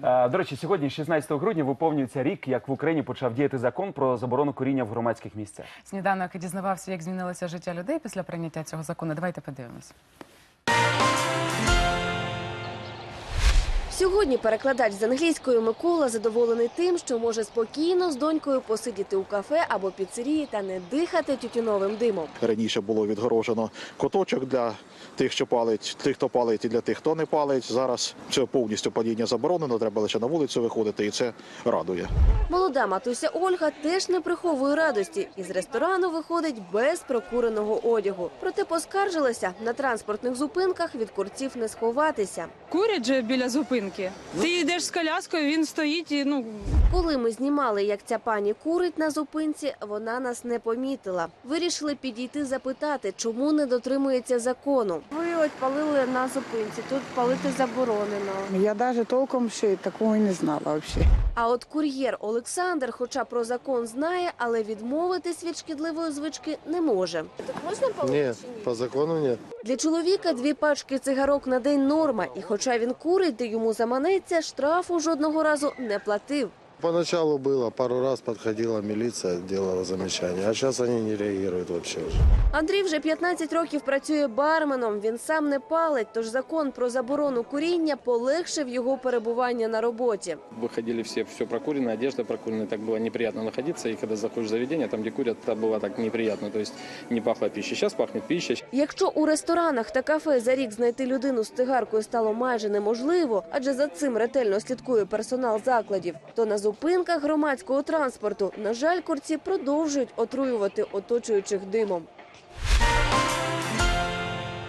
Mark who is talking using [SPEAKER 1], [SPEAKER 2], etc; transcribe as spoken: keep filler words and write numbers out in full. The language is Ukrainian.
[SPEAKER 1] До речі, сьогодні, шістнадцятого грудня, виповнюється рік, як в Україні почав діяти закон про заборону куріння в громадських місцях.
[SPEAKER 2] Сніданок дізнавався, як змінилося життя людей після прийняття цього закону. Давайте подивимось.
[SPEAKER 3] Сьогодні перекладач з англійської Микола задоволений тим, що може спокійно з донькою посидіти у кафе або піцерії та не дихати тютюновим димом.
[SPEAKER 4] Раніше було відгорожено куточок для тих, що палить, тих, хто палить, і для тих, хто не палить. Зараз це повністю паління заборонено, треба лише на вулицю виходити, і це радує.
[SPEAKER 3] Молода матуся Ольга теж не приховує радості. Із ресторану виходить без прокуреного одягу. Проте поскаржилася, на транспортних зупинках від курців не сховатися.
[SPEAKER 5] Курять же біля зупинки. Ти йдеш з коляскою, він стоїть і, ну...
[SPEAKER 3] Коли ми знімали, як ця пані курить на зупинці, вона нас не помітила. Вирішили підійти запитати, чому не дотримується закону. Ви от палили на зупинці, тут палити заборонено.
[SPEAKER 6] Я навіть толком ще такого і не знала взагалі.
[SPEAKER 3] А от кур'єр Олександр, хоча про закон знає, але відмовитись від шкідливої звички не може. Так можна палити
[SPEAKER 7] Ні,
[SPEAKER 3] чи ні?
[SPEAKER 7] по закону ні.
[SPEAKER 3] Для чоловіка дві пачки цигарок на день норма. І хоча він курить, де йому заманеться, штрафу жодного разу не платив.
[SPEAKER 7] Поначалу было, пару раз подходила милиция, делала замечания, а сейчас они не реагируют вообще уже.
[SPEAKER 3] Андрій вже п'ятнадцять років працює барменом. Він сам не палить, тож закон про заборону куріння полегшив його перебування на роботі.
[SPEAKER 8] Выходили все, все прокурено, одежда прокурена, так было неприятно находиться. И когда заходишь в заведение, там, где курят, там было так неприятно, то есть не пахло пищей. Сейчас пахнет пищей.
[SPEAKER 3] Якщо у ресторанах та кафе за рік знайти людину з цигаркою стало майже неможливо, адже за цим ретельно слідкує персонал закладів, то на зупинках громадського транспорту, на жаль, курці продовжують отруювати оточуючих димом.